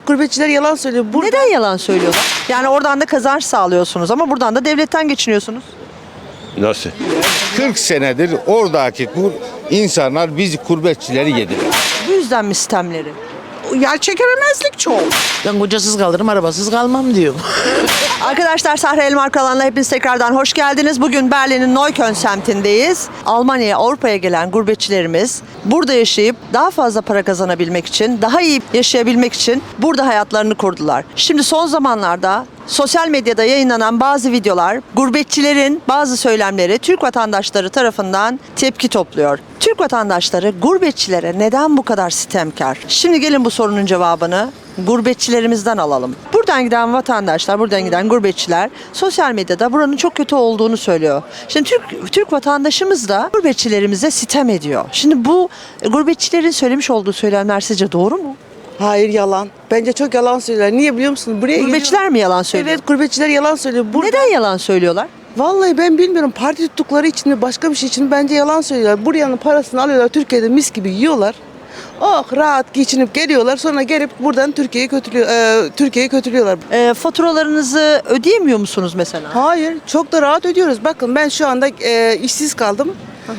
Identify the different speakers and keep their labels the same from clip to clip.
Speaker 1: gurbetçiler yalan söylüyor.
Speaker 2: Neden yalan söylüyorlar? Yani oradan da kazanç sağlıyorsunuz ama buradan da devletten geçiniyorsunuz.
Speaker 3: Nasıl? 40 senedir oradaki insanlar biz gurbetçileri yediler.
Speaker 2: Bu yüzden mi sistemleri?
Speaker 1: Yer çekememezlik çok.
Speaker 4: Ben kocasız kalırım, arabasız kalmam diyorum.
Speaker 2: Arkadaşlar Sahra Elmar kanalına hepiniz tekrardan hoş geldiniz. Bugün Berlin'in Neukölln semtindeyiz. Almanya'ya, Avrupa'ya gelen gurbetçilerimiz burada yaşayıp daha fazla para kazanabilmek için, daha iyi yaşayabilmek için burada hayatlarını kurdular. Şimdi son zamanlarda sosyal medyada yayınlanan bazı videolar, gurbetçilerin bazı söylemleri Türk vatandaşları tarafından tepki topluyor. Türk vatandaşları gurbetçilere neden bu kadar sitemkar? Şimdi gelin bu sorunun cevabını gurbetçilerimizden alalım. Buradan giden vatandaşlar, buradan giden gurbetçiler sosyal medyada buranın çok kötü olduğunu söylüyor. Şimdi Türk vatandaşımız da gurbetçilerimize sitem ediyor. Şimdi bu gurbetçilerin söylemiş olduğu söylemler sizce doğru mu?
Speaker 1: Hayır, yalan. Bence çok yalan söylüyorlar. Niye biliyor musun? Buraya
Speaker 2: Gurbetçiler mi yalan söylüyor?
Speaker 1: Evet, gurbetçiler yalan söylüyor.
Speaker 2: Neden yalan söylüyorlar?
Speaker 1: Vallahi ben bilmiyorum. Parti tuttukları için mi başka bir şey için mi? Bence yalan söylüyorlar. Buranın parasını alıyorlar. Türkiye'de mis gibi yiyorlar. Oh, rahat geçinip geliyorlar. Sonra gelip buradan Türkiye'yi kötülüyorlar.
Speaker 2: Faturalarınızı ödeyemiyor musunuz mesela?
Speaker 1: Hayır, çok da rahat ödüyoruz. Bakın ben şu anda işsiz kaldım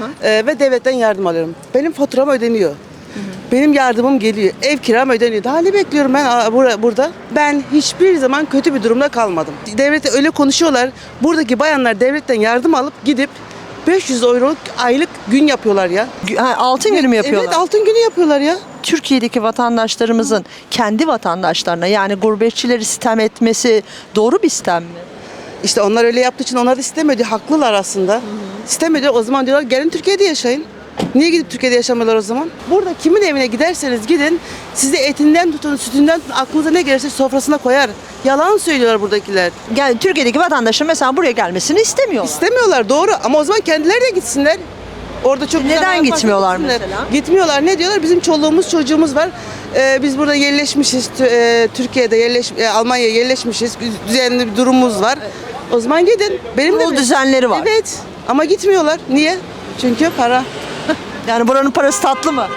Speaker 1: ve devletten yardım alıyorum. Benim faturam ödeniyor. Benim yardımım geliyor. Ev kiram ödeniyor. Daha ne bekliyorum ben burada? Ben hiçbir zaman kötü bir durumda kalmadım. Devlete öyle konuşuyorlar. Buradaki bayanlar devletten yardım alıp gidip 500 euroluk aylık gün yapıyorlar ya.
Speaker 2: Altın günü mü yapıyorlar?
Speaker 1: Evet, altın günü yapıyorlar ya.
Speaker 2: Türkiye'deki vatandaşlarımızın kendi vatandaşlarına yani gurbetçileri sitem etmesi doğru bir sitem mi?
Speaker 1: İşte onlar öyle yaptığı için onlar da istemedi. Haklılar aslında. İstemedi. O zaman diyorlar gelin Türkiye'de yaşayın. Niye gidip Türkiye'de yaşamıyorlar o zaman? Burada kimin evine giderseniz gidin, size etinden tutun, sütünden tutun, aklınıza ne gelirse sofrasına koyar. Yalan söylüyorlar buradakiler.
Speaker 2: Yani Türkiye'deki vatandaşın mesela buraya gelmesini istemiyorlar.
Speaker 1: İstemiyorlar, doğru, ama o zaman kendileri de gitsinler. Orada çok güzel
Speaker 2: Neden
Speaker 1: hayat varsa
Speaker 2: gitmiyorlar
Speaker 1: gitsinler.
Speaker 2: mesela?
Speaker 1: Gitmiyorlar. Ne diyorlar? Bizim çoluğumuz çocuğumuz var. Biz burada yerleşmişiz. Türkiye'de Almanya'ya yerleşmişiz. Düzenli bir durumumuz var. O zaman gidin. Benim de
Speaker 2: Kurul düzenleri var.
Speaker 1: Evet. Ama gitmiyorlar. Niye? Çünkü para.
Speaker 2: Yani buranın parası tatlı mı?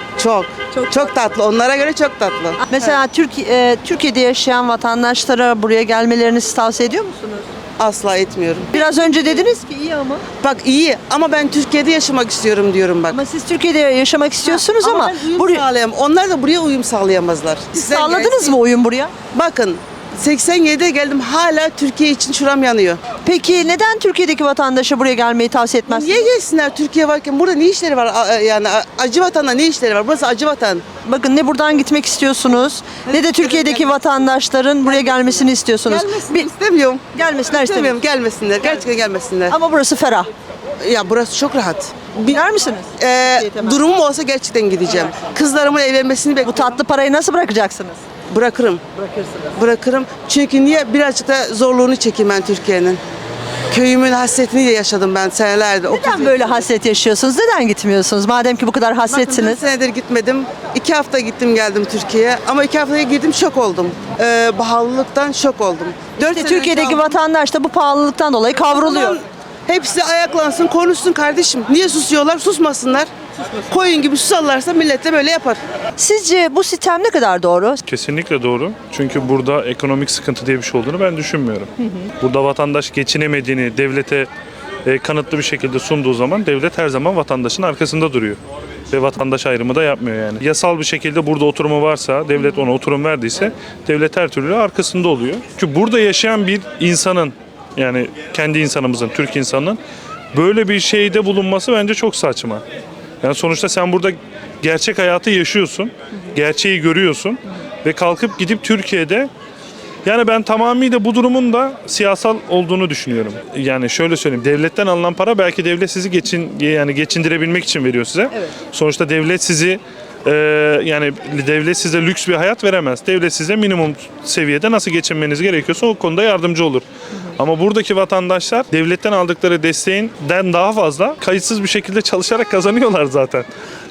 Speaker 1: Çok tatlı. Onlara göre çok tatlı.
Speaker 2: Mesela Türkiye'de yaşayan vatandaşlara buraya gelmelerini siz tavsiye ediyor musunuz?
Speaker 1: Asla etmiyorum.
Speaker 2: Biraz önce dediniz ki iyi ama.
Speaker 1: Bak iyi ama ben Türkiye'de yaşamak istiyorum diyorum bak.
Speaker 2: Ama siz Türkiye'de yaşamak istiyorsunuz ama
Speaker 1: ben uyum
Speaker 2: buraya
Speaker 1: sağlayamam. Onlar da buraya uyum sağlayamazlar. Sizler
Speaker 2: sağladınız
Speaker 1: gelsin.
Speaker 2: mı uyum buraya?
Speaker 1: Bakın 87'de geldim, hala Türkiye için şuram yanıyor.
Speaker 2: Peki neden Türkiye'deki vatandaşa buraya gelmeyi tavsiye etmezsiniz?
Speaker 1: Niye gelsinler Türkiye varken? Burada ne işleri var? Yani acı vatanda ne işleri var? Burası acı vatan.
Speaker 2: Bakın ne buradan gitmek istiyorsunuz ne de Türkiye'deki vatandaşların buraya gelmesini istiyorsunuz.
Speaker 1: Gelmesin istemiyorum.
Speaker 2: Gelmesinler istemiyorum.
Speaker 1: İstemiyorum, gelmesinler. Gerçekten gelmesinler.
Speaker 2: Ama burası ferah.
Speaker 1: Ya burası çok rahat.
Speaker 2: Gider misiniz?
Speaker 1: Durumum olsa gerçekten gideceğim. Kızlarımın evlenmesini
Speaker 2: Bu
Speaker 1: bekliyorum.
Speaker 2: tatlı parayı nasıl bırakacaksınız?
Speaker 1: Bırakırım. Bırakırım. Çünkü niye? Birazcık da zorluğunu çekeyim ben Türkiye'nin. Köyümün hasretini de yaşadım ben senelerdir.
Speaker 2: Neden böyle hasret yaşıyorsunuz? Neden gitmiyorsunuz? Madem ki bu kadar
Speaker 1: Bakın 4
Speaker 2: hasretsiniz.
Speaker 1: senedir gitmedim. 2 hafta gittim geldim Türkiye'ye. Ama 2 haftaya girdim, şok oldum. Pahalılıktan şok oldum.
Speaker 2: İşte Türkiye'deki vatandaş da bu pahalılıktan dolayı kavruluyor.
Speaker 1: Hepsi ayaklansın, konuşsun kardeşim. Niye susuyorlar? Susmasınlar. Koyun gibi susarlarsa millet de böyle yapar.
Speaker 2: Sizce bu sistem ne kadar doğru?
Speaker 5: Kesinlikle doğru. Çünkü burada ekonomik sıkıntı diye bir şey olduğunu ben düşünmüyorum. Burada vatandaş geçinemediğini devlete kanıtlı bir şekilde sunduğu zaman devlet her zaman vatandaşın arkasında duruyor. Ve vatandaş ayrımı da yapmıyor yani. Yasal bir şekilde burada oturumu varsa, devlet ona oturum verdiyse devlet her türlü arkasında oluyor. Çünkü burada yaşayan bir insanın, yani kendi insanımızın, Türk insanının böyle bir şeyde bulunması bence çok saçma. Yani sonuçta sen burada gerçek hayatı yaşıyorsun, gerçeği görüyorsun ve kalkıp gidip Türkiye'de, yani ben tamamıyla bu durumun da siyasal olduğunu düşünüyorum. Yani şöyle söyleyeyim, devletten alınan para belki devlet sizi geçindirebilmek için veriyor size. Evet. Sonuçta devlet sizi yani devlet size lüks bir hayat veremez. Devlet size minimum seviyede nasıl geçinmeniz gerekiyorsa o konuda yardımcı olur. Ama buradaki vatandaşlar devletten aldıkları desteğinden daha fazla kayıtsız bir şekilde çalışarak kazanıyorlar zaten.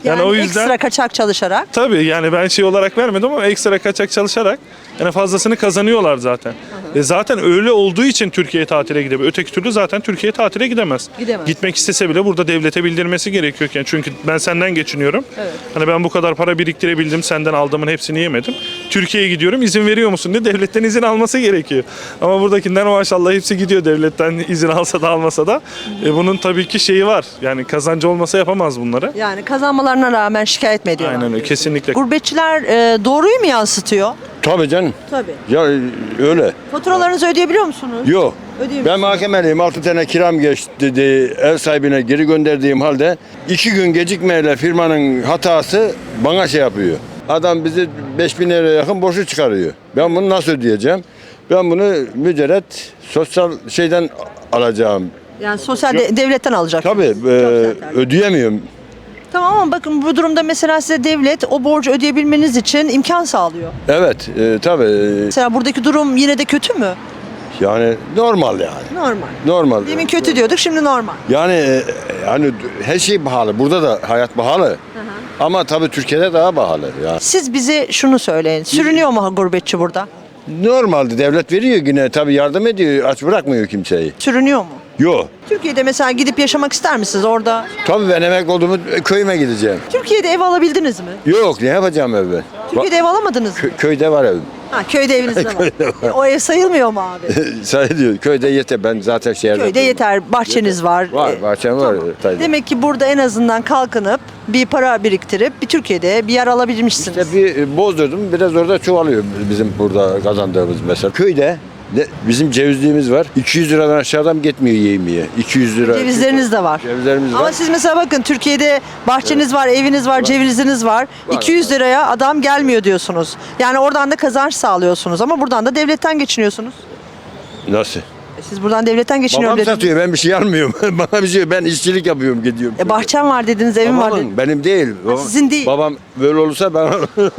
Speaker 2: Yani,
Speaker 5: o yüzden
Speaker 2: ekstra kaçak çalışarak.
Speaker 5: tabii yani ben şey olarak vermedim ama ekstra kaçak çalışarak yani fazlasını kazanıyorlar zaten. Zaten öyle olduğu için Türkiye'ye tatile gidebilir. Öteki türlü zaten Türkiye'ye tatile gidemez.
Speaker 2: Gidemez.
Speaker 5: Gitmek istese bile burada devlete bildirmesi gerekiyorken. Çünkü ben senden geçiniyorum.
Speaker 2: Evet.
Speaker 5: Hani ben bu kadar para biriktirebildim, senden aldığımın hepsini yemedim. Türkiye'ye gidiyorum, izin veriyor musun diye devletten izin alması gerekiyor. Ama buradakinden maşallah hepsi gidiyor devletten izin alsa da almasa da. Bunun tabii ki şeyi var. Yani kazancı olmasa yapamaz bunları.
Speaker 2: Yani kazanmalarına rağmen şikayet mi ediyorlar?
Speaker 5: Aynen öyle, kesinlikle.
Speaker 2: Gurbetçiler doğruyu mu yansıtıyor?
Speaker 3: Tabii canım.
Speaker 2: Tabii.
Speaker 3: Ya öyle.
Speaker 2: Faturalarınızı ödeyebiliyor musunuz?
Speaker 3: Yok.
Speaker 2: Ödeyemiyorsunuz.
Speaker 3: Ben mahkemeliyim. 6 tane kiram geçti dedi. Ev sahibine geri gönderdiğim halde 2 gün gecikmeyle firmanın hatası bana şey yapıyor. Adam bizi 5.000 liraya yakın borcu çıkarıyor. Ben bunu nasıl ödeyeceğim? Ben bunu mücerret sosyal şeyden alacağım.
Speaker 2: Yani sosyal devletten alacak.
Speaker 3: Tabii ödeyemiyorum.
Speaker 2: Tamam ama bakın bu durumda mesela size devlet o borcu ödeyebilmeniz için imkan sağlıyor.
Speaker 3: Evet tabii.
Speaker 2: Mesela buradaki durum yine de kötü mü?
Speaker 3: Yani normal yani.
Speaker 2: Normal.
Speaker 3: Normal.
Speaker 2: Demin kötü diyorduk, şimdi normal.
Speaker 3: Yani hani her şey pahalı. Burada da hayat pahalı. Ama tabii Türkiye'de daha pahalı. Yani.
Speaker 2: Siz bize şunu söyleyin. Sürünüyor mu gurbetçi burada?
Speaker 3: Normalde devlet veriyor yine tabii yardım ediyor. Aç bırakmıyor kimseyi.
Speaker 2: Sürünüyor mu?
Speaker 3: Yok.
Speaker 2: Türkiye'de mesela gidip yaşamak ister misiniz orada?
Speaker 3: Tabii ben emekli olduğumu köyüme gideceğim.
Speaker 2: Türkiye'de ev alabildiniz mi?
Speaker 3: Yok ne yapacağım evde?
Speaker 2: Türkiye'de ev alamadınız mı?
Speaker 3: Köyde var evim.
Speaker 2: Ha, köyde eviniz de var.
Speaker 3: Köyde var.
Speaker 2: O ev sayılmıyor mu abi?
Speaker 3: Sayılıyor. Köyde yeter. Ben zaten şehirde.
Speaker 2: Köyde yeter. Bahçeniz var.
Speaker 3: Var. Bahçem var. Tabii.
Speaker 2: Demek ki burada en azından kalkınıp bir para biriktirip bir Türkiye'de bir yer alabilmişsiniz.
Speaker 3: İşte bir bozdurdum. Biraz orada çoğalıyor bizim burada kazandığımız mesela. Köyde bizim cevizliğimiz var. 200 liradan aşağıdan gitmiyor yemeğe. 200 lira.
Speaker 2: Cevizleriniz de var.
Speaker 3: Cevizlerimiz
Speaker 2: Ama
Speaker 3: var.
Speaker 2: siz mesela bakın Türkiye'de bahçeniz var, eviniz var, ceviziniz var. 200 liraya adam gelmiyor diyorsunuz. Yani oradan da kazanç sağlıyorsunuz ama buradan da devletten geçiniyorsunuz.
Speaker 3: Nasıl?
Speaker 2: Siz buradan devletten geçiniyorum
Speaker 3: Babam
Speaker 2: dediniz.
Speaker 3: satıyor. Ben bir şey almıyorum. Bana bir şey. Ben işçilik yapıyorum gidiyorum.
Speaker 2: Bahçem var dediniz, evim var dediniz.
Speaker 3: Babamın, benim değil.
Speaker 2: sizin değil.
Speaker 3: Babam böyle olursa ben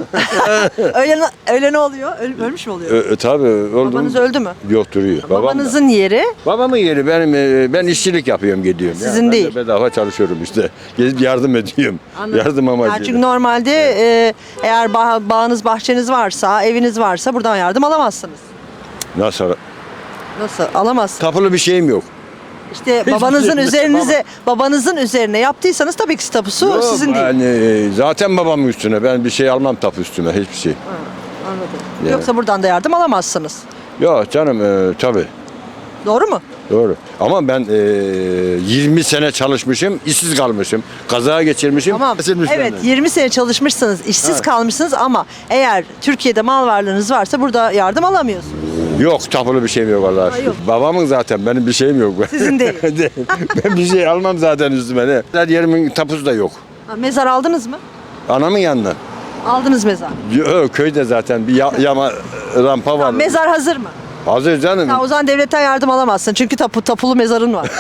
Speaker 2: Öyle ne oluyor? Ölmüş mü oluyor?
Speaker 3: tabii öldüm.
Speaker 2: Babanız öldü mü?
Speaker 3: Yok duruyor. Babam da.
Speaker 2: Babanızın yeri
Speaker 3: Babamın yeri benim. Ben işçilik yapıyorum gidiyorum.
Speaker 2: Sizin
Speaker 3: ben de
Speaker 2: değil.
Speaker 3: bedava çalışıyorum işte. Gezip yardım ediyorum.
Speaker 2: Anladım.
Speaker 3: Yardım
Speaker 2: Yani
Speaker 3: amacıyla.
Speaker 2: çünkü normalde eğer bağınız, bahçeniz varsa, eviniz varsa buradan yardım alamazsınız.
Speaker 3: Nasıl?
Speaker 2: Nasıl? Alamazsınız.
Speaker 3: Tapulu bir şeyim yok.
Speaker 2: İşte babanızın üzerine yaptıysanız tabii ki tapusu
Speaker 3: Yok,
Speaker 2: sizin değil.
Speaker 3: Yani zaten babamın üstüne. Ben bir şey almam tapu üstüme. Hiçbir şey.
Speaker 2: Anladım.
Speaker 3: Yani.
Speaker 2: Yoksa buradan da yardım alamazsınız.
Speaker 3: Yok canım tabii.
Speaker 2: Doğru mu?
Speaker 3: Doğru. Ama ben 20 sene çalışmışım, işsiz kalmışım. Kaza geçirmişim.
Speaker 2: Tamam.
Speaker 3: kesilmiş
Speaker 2: Evet,
Speaker 3: benden.
Speaker 2: 20 sene çalışmışsınız, işsiz kalmışsınız ama eğer Türkiye'de mal varlığınız varsa burada yardım alamıyorsunuz.
Speaker 3: Yok tapulu bir şeyim yok Allah'a şükür.
Speaker 2: yok.
Speaker 3: Babamın zaten benim bir şeyim yok.
Speaker 2: Sizin değil.
Speaker 3: Ben bir şey almam zaten üstüme. Ne? Her yerimin tapusu da yok.
Speaker 2: Ha, mezar aldınız mı?
Speaker 3: Anamın yanına.
Speaker 2: Aldınız mezar.
Speaker 3: Yok köyde zaten bir yama rampa var.
Speaker 2: Mezar hazır mı?
Speaker 3: Hazır canım.
Speaker 2: Ha, o zaman devletten yardım alamazsın çünkü tapulu mezarın var.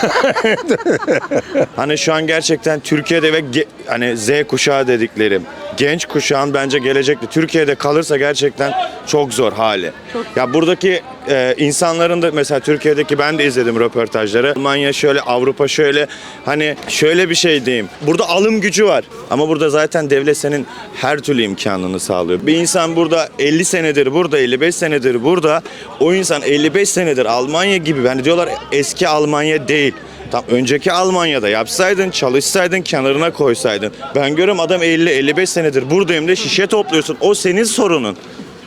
Speaker 6: Hani şu an gerçekten Türkiye'de ve hani Z kuşağı dediklerim genç kuşağın bence gelecekte Türkiye'de kalırsa gerçekten çok zor hali. Ya buradaki insanların da mesela Türkiye'deki ben de izledim röportajları. Almanya şöyle, Avrupa şöyle, hani şöyle bir şey diyeyim. Burada alım gücü var ama burada zaten devlet senin her türlü imkanını sağlıyor. Bir insan burada 50 senedir burada, 55 senedir burada. O insan 55 senedir Almanya gibi, hani diyorlar eski Almanya değil. Tam önceki Almanya'da yapsaydın, çalışsaydın, kenarına koysaydın. Ben görüyorum adam 50-55 senedir buradayım de şişe topluyorsun. O senin sorunun.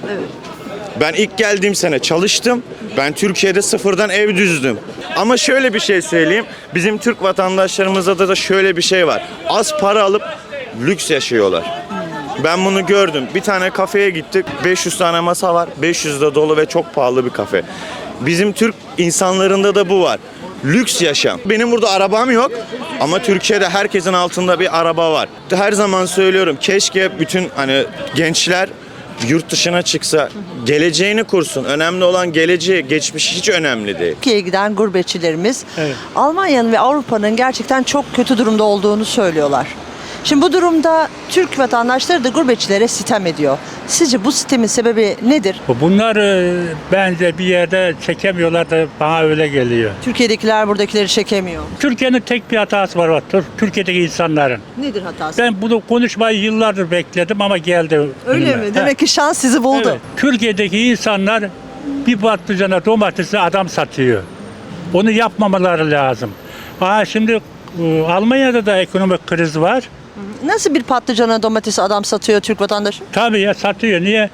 Speaker 6: Ben ilk geldiğim sene çalıştım. Ben Türkiye'de sıfırdan ev düzdüm. Ama şöyle bir şey söyleyeyim. Bizim Türk vatandaşlarımızda da şöyle bir şey var. Az para alıp lüks yaşıyorlar. Ben bunu gördüm. Bir tane kafeye gittik. 500 tane masa var. 500 de dolu ve çok pahalı bir kafe. Bizim Türk insanlarında da bu var. Lüks yaşam. Benim burada arabam yok ama Türkiye'de herkesin altında bir araba var. Her zaman söylüyorum, keşke bütün hani gençler yurt dışına çıksa, geleceğini kursun. Önemli olan geleceği, geçmiş hiç önemli değil.
Speaker 2: Türkiye'ye giden gurbetçilerimiz Almanya'nın ve Avrupa'nın gerçekten çok kötü durumda olduğunu söylüyorlar. Şimdi bu durumda Türk vatandaşları da gurbetçilere sitem ediyor. Sizce bu sitemin sebebi nedir?
Speaker 7: Bunlar bence bir yerde çekemiyorlar da bana öyle geliyor.
Speaker 2: Türkiye'dekiler buradakileri çekemiyor.
Speaker 7: Türkiye'nin tek bir hatası var. Türkiye'deki insanların.
Speaker 2: Nedir hatası?
Speaker 7: Ben bunu konuşmayı yıllardır bekledim ama geldi.
Speaker 2: Öyle
Speaker 7: önüme.
Speaker 2: mi? Demek ki şans sizi buldu.
Speaker 7: Evet. Türkiye'deki insanlar bir patlıcana domatesi adam satıyor. Onu yapmamaları lazım. Şimdi Almanya'da da ekonomik kriz var.
Speaker 2: Nasıl bir patlıcana domatesi adam satıyor Türk vatandaşı?
Speaker 7: Tabii ya satıyor. Niye?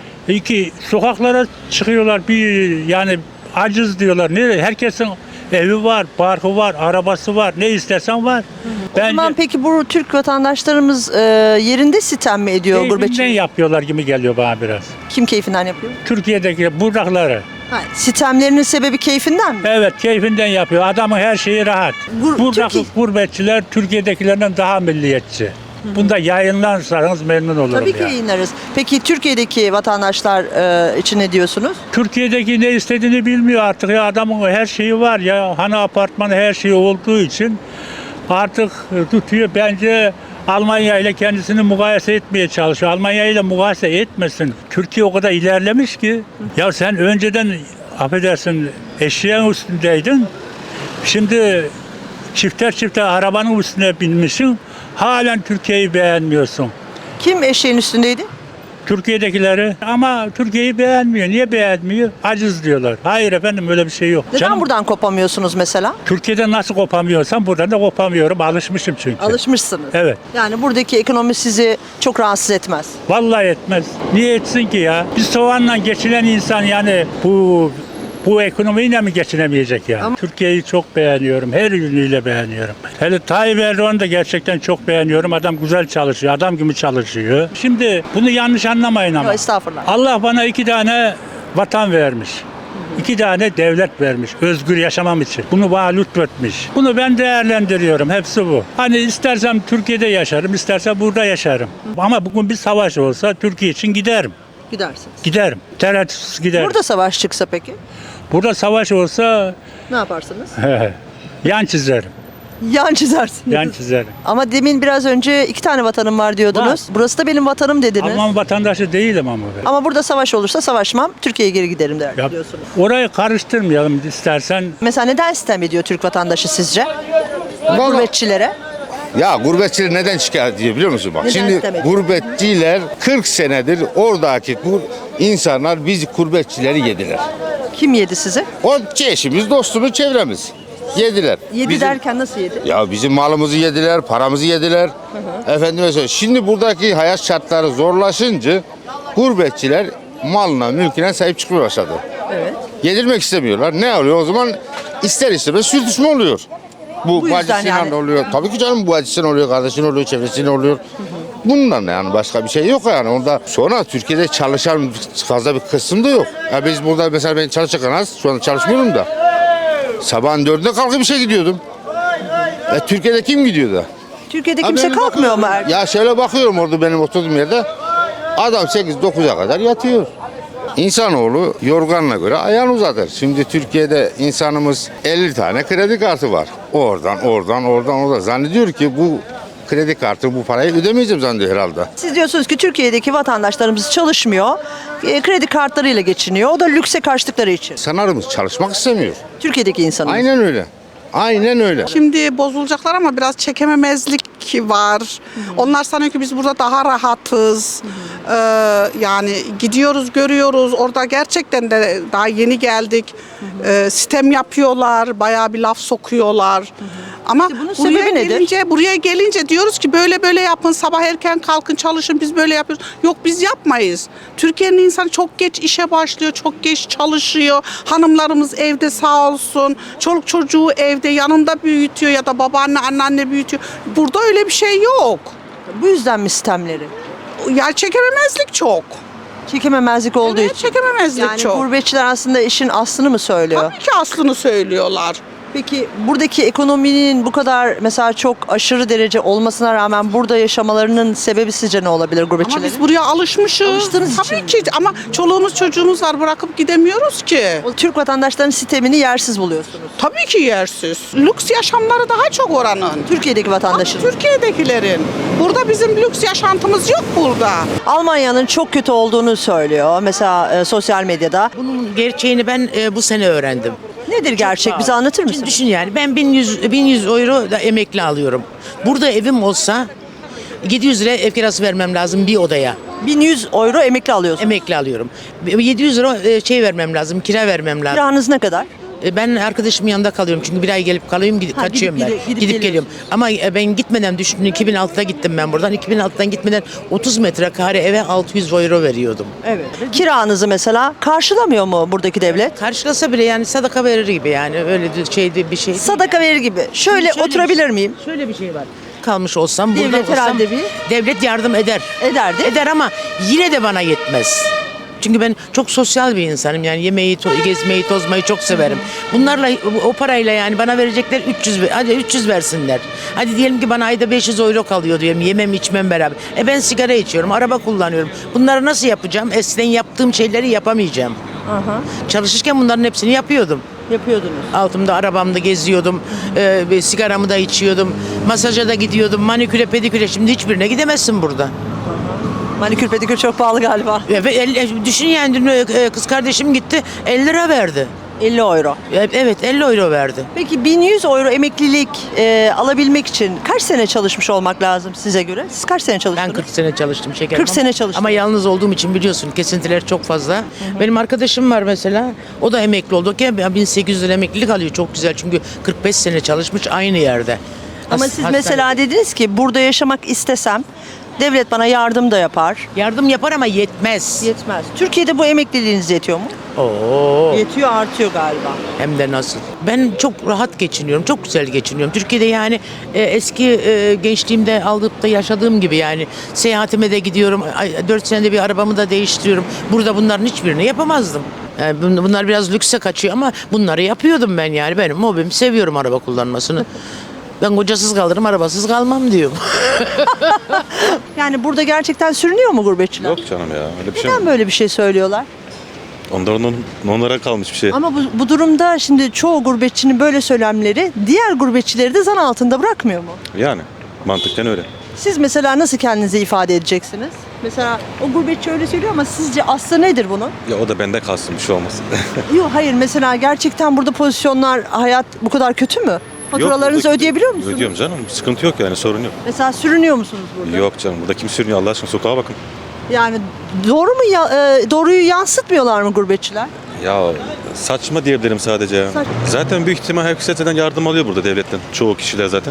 Speaker 7: Sokaklara çıkıyorlar yani aciz diyorlar. Nereye? Herkesin evi var, barkı var, arabası var. Ne istersen var.
Speaker 2: O zaman peki bu Türk vatandaşlarımız yerinde sitem mi ediyor
Speaker 7: keyfinden
Speaker 2: gurbetçi?
Speaker 7: yapıyorlar gibi geliyor bana biraz.
Speaker 2: Kim keyfinden yapıyor?
Speaker 7: Türkiye'deki buradakları.
Speaker 2: Sitemlerinin sebebi keyfinden mi?
Speaker 7: Evet keyfinden yapıyor. Adamın her şeyi rahat. Buradaki
Speaker 2: Türkiye-
Speaker 7: gurbetçiler Türkiye'dekilerden daha milliyetçi. Bunda yayınlarsanız memnun olurum.
Speaker 2: Tabii ki
Speaker 7: ya.
Speaker 2: yayınlarız. Peki Türkiye'deki vatandaşlar için ne diyorsunuz?
Speaker 7: Türkiye'deki ne istediğini bilmiyor artık ya adamın her şeyi var ya hani apartmanı her şeyi olduğu için artık tutuyor bence Almanya ile kendisini mukayese etmeye çalışıyor. Almanya ile mukayese etmesin. Türkiye o kadar ilerlemiş ki ya sen önceden affedersin eşeğin üstündeydin. Şimdi çifter arabanın üstüne binmişsin. Halen Türkiye'yi beğenmiyorsun.
Speaker 2: Kim eşeğin üstündeydi?
Speaker 7: Türkiye'dekileri ama Türkiye'yi beğenmiyor. Niye beğenmiyor? Aciz diyorlar. Hayır efendim öyle bir şey yok.
Speaker 2: Neden
Speaker 7: Canım,
Speaker 2: buradan kopamıyorsunuz mesela?
Speaker 7: Türkiye'de nasıl kopamıyorsam buradan da kopamıyorum. Alışmışım çünkü.
Speaker 2: Alışmışsınız.
Speaker 7: Evet.
Speaker 2: Yani buradaki ekonomi sizi çok rahatsız etmez.
Speaker 7: Vallahi etmez. Niye etsin ki ya? Bir soğanla geçinen insan yani bu ekonomiyle mi geçinemeyecek yani?
Speaker 2: Ama-
Speaker 7: Türkiye'yi çok beğeniyorum. Her yönüyle beğeniyorum. Hele Tayyip Erdoğan'ı da gerçekten çok beğeniyorum. Adam güzel çalışıyor. Adam gibi çalışıyor. Şimdi bunu yanlış anlamayın ama.
Speaker 2: Yok, estağfurullah.
Speaker 7: Allah bana 2 tane vatan vermiş. 2 tane devlet vermiş. Özgür yaşamam için. Bunu bana lütfetmiş. Bunu ben değerlendiriyorum. Hepsi bu. Hani istersem Türkiye'de yaşarım, istersem burada yaşarım. Ama bugün bir savaş olsa Türkiye için giderim.
Speaker 2: Gidersiniz.
Speaker 7: Giderim. Tereddütsüz giderim.
Speaker 2: Burada savaş çıksa peki?
Speaker 7: Burada savaş olsa
Speaker 2: Ne yaparsınız?
Speaker 7: yan çizerim.
Speaker 2: Yan çizersiniz.
Speaker 7: Yan çizerim.
Speaker 2: Ama demin biraz önce 2 tane vatanım var diyordunuz.
Speaker 7: Var.
Speaker 2: Burası da benim vatanım dediniz.
Speaker 7: Alman vatandaşı değilim ama ben.
Speaker 2: Ama burada savaş olursa savaşmam, Türkiye'ye geri giderim der
Speaker 7: Ya,
Speaker 2: diyorsunuz.
Speaker 7: orayı karıştırmayalım istersen.
Speaker 2: Mesela neden sitem ediyor Türk vatandaşı sizce? Gurbetçilere.
Speaker 8: Ya gurbetçiler neden şikayet ediyor biliyor musun? Bak
Speaker 2: Neden
Speaker 8: şimdi
Speaker 2: istemedi?
Speaker 8: gurbetçiler 40 senedir oradaki bu insanlar biz gurbetçileri yediler.
Speaker 2: Kim yedi sizi?
Speaker 8: O eşimiz, dostumuz, çevremiz yediler.
Speaker 2: Yedi
Speaker 8: Bizim-
Speaker 2: derken nasıl yedi?
Speaker 8: Ya bizim malımızı yediler, paramızı yediler. Efendime söyleyeyim. Şimdi buradaki hayat şartları zorlaşınca gurbetçiler malına, mülküne sahip çıkmaya başladı.
Speaker 2: Evet.
Speaker 8: Yedirmek istemiyorlar. Ne oluyor o zaman? İster istemez sürtüşme oluyor. Bu
Speaker 2: Bu yüzden
Speaker 8: bacısıyla
Speaker 2: yani.
Speaker 8: oluyor. Tabii ki canım bu bacısıyla oluyor, kardeşin oluyor, çevresinin oluyor. Bundan yani başka bir şey yok yani. Onda sonra Türkiye'de çalışan fazla bir kısım da yok. Ya biz burada mesela ben çalışırken az, şu anda çalışmıyorum da. Sabahın 4'ünde kalkıp işe gidiyordum. Türkiye'de kim gidiyor da?
Speaker 2: Türkiye'de
Speaker 8: Ha,
Speaker 2: kimse
Speaker 8: benim
Speaker 2: kalkmıyor mu?
Speaker 8: bakıyorum. Ya şöyle bakıyorum orada benim oturduğum yerde. Adam 8-9'a kadar yatıyor. İnsanoğlu yorganına göre ayağını uzatır. Şimdi Türkiye'de insanımız 50 tane kredi kartı var. Oradan. Zannediyor ki bu kredi kartı bu parayı ödemeyeceğim zannediyor herhalde.
Speaker 2: Siz diyorsunuz ki Türkiye'deki vatandaşlarımız çalışmıyor, kredi kartlarıyla geçiniyor. O da lükse kaçtıkları için.
Speaker 8: Sanarımız çalışmak istemiyor.
Speaker 2: Türkiye'deki insanımız.
Speaker 8: Aynen öyle. Aynen öyle.
Speaker 9: Şimdi bozulacaklar ama biraz çekememezlik var. Onlar sanıyor ki biz burada daha rahatız. Yani gidiyoruz, görüyoruz. Orada gerçekten de daha yeni geldik. Sitem yapıyorlar, bayağı bir laf sokuyorlar. Ama
Speaker 2: Peki bunun sebebi nedir?
Speaker 9: buraya gelince diyoruz ki böyle yapın, sabah erken kalkın, çalışın, biz böyle yapıyoruz. Yok biz yapmayız. Türkiye'nin insanı çok geç işe başlıyor, çok geç çalışıyor. Hanımlarımız evde sağ olsun. Çoluk çocuğu evde yanında büyütüyor ya da babaanne, anneanne büyütüyor. Burada öyle bir şey yok.
Speaker 2: Bu yüzden mi sistemleri?
Speaker 9: Ya çekememezlik çok.
Speaker 2: Çekememezlik olduğu
Speaker 9: Evet,
Speaker 2: için.
Speaker 9: çekememezlik
Speaker 2: Yani
Speaker 9: çok.
Speaker 2: gurbetçiler aslında işin aslını mı söylüyor?
Speaker 9: Tabii ki aslını söylüyorlar.
Speaker 2: Peki buradaki ekonominin bu kadar mesela çok aşırı derece olmasına rağmen burada yaşamalarının sebebi sizce ne olabilir
Speaker 9: Ama
Speaker 2: gurbetçilerin?
Speaker 9: biz buraya alışmışız.
Speaker 2: Alıştığınız
Speaker 9: Tabii
Speaker 2: için.
Speaker 9: ki ama çoluğumuz çocuğumuz var, bırakıp gidemiyoruz ki.
Speaker 2: O Türk vatandaşlarının sistemini yersiz buluyorsunuz.
Speaker 9: Tabii ki yersiz. Lüks yaşamları daha çok oranın.
Speaker 2: Türkiye'deki vatandaşın.
Speaker 9: Türkiye'dekilerin. Burada bizim lüks yaşantımız yok burada.
Speaker 2: Almanya'nın çok kötü olduğunu söylüyor. Mesela sosyal medyada.
Speaker 4: Bunun gerçeğini ben bu sene öğrendim.
Speaker 2: Nedir gerçek? Bize anlatır
Speaker 4: Şimdi
Speaker 2: mısın?
Speaker 4: düşün yani ben 1100 euro da emekli alıyorum. Burada evim olsa 700 lira ev kirası vermem lazım bir odaya.
Speaker 2: 1100 euro emekli alıyorsun.
Speaker 4: Emekli alıyorum. 700 lira vermem lazım, kira vermem lazım.
Speaker 2: Kiranız ne kadar?
Speaker 4: Ben arkadaşımın yanında kalıyorum çünkü bir ay gelip kalıyorum kaçıyorum
Speaker 2: gidip
Speaker 4: geliyorum. Ama ben gitmeden düşündüm 2006'da gittim ben buradan. 2006'dan gitmeden 30 metrekare eve 600 euro veriyordum.
Speaker 2: Evet. Kiranızı mesela karşılamıyor mu buradaki devlet?
Speaker 4: Karşılasa bile yani sadaka verir gibi yani öyle bir şey.
Speaker 2: Sadaka verir gibi. Şöyle
Speaker 4: Şöyle
Speaker 2: oturabilir
Speaker 4: bir-
Speaker 2: miyim?
Speaker 4: Şöyle bir şey var. Kalmış olsam burada
Speaker 2: Devlet
Speaker 4: olsam
Speaker 2: herhalde
Speaker 4: devlet yardım eder.
Speaker 2: Ederdi.
Speaker 4: Eder ama yine de bana yetmez. Çünkü ben çok sosyal bir insanım yani yemeği, gezmeyi, tozmayı çok severim. Bunlarla o parayla yani bana verecekler 300 hadi 300 versinler. Hadi diyelim ki bana ayda 500 euro kalıyor diyelim yemem içmem beraber. Ben sigara içiyorum, araba kullanıyorum. Bunları nasıl yapacağım? Eskiden yaptığım şeyleri yapamayacağım. Çalışırken bunların hepsini yapıyordum.
Speaker 2: Yapıyordunuz.
Speaker 4: Altımda arabamda geziyordum, sigaramı da içiyordum, masaja da gidiyordum, maniküre pediküre. Şimdi hiçbirine gidemezsin burada.
Speaker 2: Manikür pedikür çok pahalı galiba.
Speaker 4: Düşün yani dün kız kardeşim gitti 50 lira verdi.
Speaker 2: 50 euro.
Speaker 4: Evet 50 euro verdi.
Speaker 2: Peki 1100 euro emeklilik alabilmek için kaç sene çalışmış olmak lazım size göre? Siz kaç sene
Speaker 4: Ben
Speaker 2: çalıştınız?
Speaker 4: 40 sene çalıştım şekerim.
Speaker 2: 40 sene çalıştın.
Speaker 4: Ama yalnız olduğum için biliyorsun kesintiler çok fazla. Benim arkadaşım var mesela. O da emekli oldu ki 1800 lira emeklilik alıyor. Çok güzel çünkü 45 sene çalışmış aynı yerde.
Speaker 2: Ama siz mesela dediniz ki burada yaşamak istesem devlet bana yardım da yapar.
Speaker 4: yardım yapar ama yetmez.
Speaker 2: Yetmez. Türkiye'de bu emekliliğiniz yetiyor mu?
Speaker 4: Oo.
Speaker 2: Yetiyor, artıyor galiba.
Speaker 4: Hem de nasıl. Ben çok rahat geçiniyorum. Çok güzel geçiniyorum. Türkiye'de yani eski gençliğimde alıp da yaşadığım gibi yani seyahatime de gidiyorum. 4 senede bir arabamı da değiştiriyorum. Burada bunların hiçbirini yapamazdım. Yani bunlar biraz lükse kaçıyor ama bunları yapıyordum ben yani. Benim hobim, seviyorum araba kullanmasını. Ben kocasız kalırım, arabasız kalmam diyorum.
Speaker 2: Yani burada gerçekten sürünüyor mu gurbetçiler?
Speaker 10: Yok canım ya öyle bir şey mi?
Speaker 2: Neden böyle bir şey söylüyorlar?
Speaker 10: Onlara kalmış bir şey.
Speaker 2: Ama bu durumda şimdi çoğu gurbetçinin böyle söylemleri diğer gurbetçileri de zan altında bırakmıyor mu?
Speaker 10: Yani mantıken öyle.
Speaker 2: Siz mesela nasıl kendinizi ifade edeceksiniz? Mesela o gurbetçi öyle söylüyor ama sizce aslı nedir bunun?
Speaker 10: Ya o da bende kalsın bir şey olmasın.
Speaker 2: Yok hayır, mesela gerçekten burada pozisyonlar, hayat bu kadar kötü mü? Faturalarınızı
Speaker 10: Yok,
Speaker 2: ödeyebiliyor musunuz?
Speaker 10: Ödüyorum canım. Sıkıntı yok yani sorun yok.
Speaker 2: Mesela sürünüyor musunuz burada?
Speaker 10: Yok canım burada kim sürünüyor Allah aşkına sokağa bakın.
Speaker 2: Yani doğru mu doğruyu yansıtmıyorlar mı gurbetçiler?
Speaker 10: Ya saçma diyebilirim sadece ya. Zaten büyük ihtimal herkes zaten yardım alıyor burada devletten. Çoğu kişiler zaten.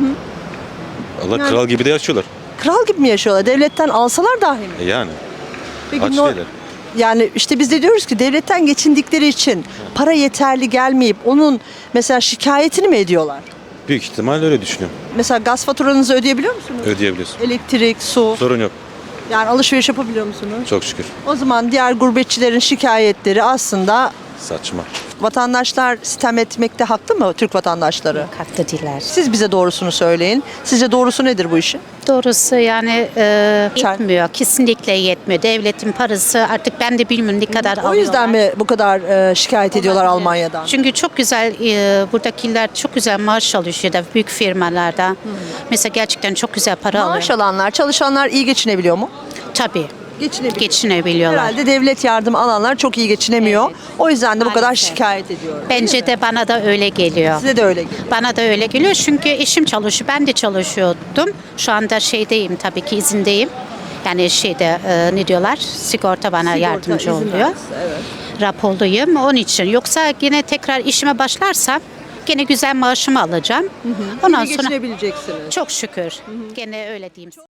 Speaker 10: Allah
Speaker 2: Yani-
Speaker 10: kral gibi de yaşıyorlar.
Speaker 2: Kral gibi mi yaşıyorlar? Devletten alsalar dahi mi?
Speaker 10: Yani
Speaker 2: Peki
Speaker 10: aç
Speaker 2: no-
Speaker 10: değiller.
Speaker 2: Yani işte biz de diyoruz ki devletten geçindikleri için para yeterli gelmeyip onun mesela şikayetini mi ediyorlar?
Speaker 10: Büyük ihtimal öyle düşünüyorum.
Speaker 2: Mesela gaz faturanızı ödeyebiliyor musunuz?
Speaker 10: Ödeyebiliyorsun.
Speaker 2: Elektrik, su,
Speaker 10: Sorun yok.
Speaker 2: yani alışveriş yapabiliyor musunuz?
Speaker 10: Çok şükür.
Speaker 2: O zaman diğer gurbetçilerin şikayetleri aslında
Speaker 10: Saçma.
Speaker 2: vatandaşlar sitem etmekte haklı mı, Türk vatandaşları?
Speaker 11: Haklı değiller.
Speaker 2: Siz bize doğrusunu söyleyin. Sizce doğrusu nedir bu işin?
Speaker 11: Doğrusu yani yetmiyor. Kesinlikle yetmiyor. Devletin parası artık ben de bilmiyorum ne kadar
Speaker 2: O yüzden
Speaker 11: alıyorlar.
Speaker 2: mi bu kadar şikayet ediyorlar
Speaker 11: Olabilir.
Speaker 2: Almanya'dan?
Speaker 11: Çünkü çok güzel buradakiler çok güzel maaş alıyor ya da büyük firmalarda. Mesela gerçekten çok güzel para
Speaker 2: Maaş
Speaker 11: alıyor.
Speaker 2: alanlar, çalışanlar iyi geçinebiliyor mu?
Speaker 11: Tabii.
Speaker 2: Geçinebiliyor.
Speaker 11: Geçinebiliyorlar.
Speaker 2: Herhalde devlet yardım alanlar çok iyi geçinemiyor.
Speaker 11: Evet.
Speaker 2: O yüzden de bu kadar
Speaker 11: Maalesef.
Speaker 2: şikayet ediyor.
Speaker 11: Bence de bana da öyle geliyor.
Speaker 2: Size de öyle geliyor.
Speaker 11: Bana da öyle geliyor çünkü eşim çalışıyor. Ben de çalışıyordum. Şu anda şeydeyim tabii ki izindeyim. Yani şeyde ne diyorlar? Sigorta bana
Speaker 2: Sigorta
Speaker 11: yardımcı
Speaker 2: izin
Speaker 11: oluyor.
Speaker 2: vermesi, evet.
Speaker 11: Raporluyum onun için. Yoksa yine tekrar işime başlarsam gene güzel maaşımı alacağım. Ondan
Speaker 2: Yine
Speaker 11: sonra
Speaker 2: geçinebileceksiniz.
Speaker 11: çok şükür. Gene öyle diyeyim.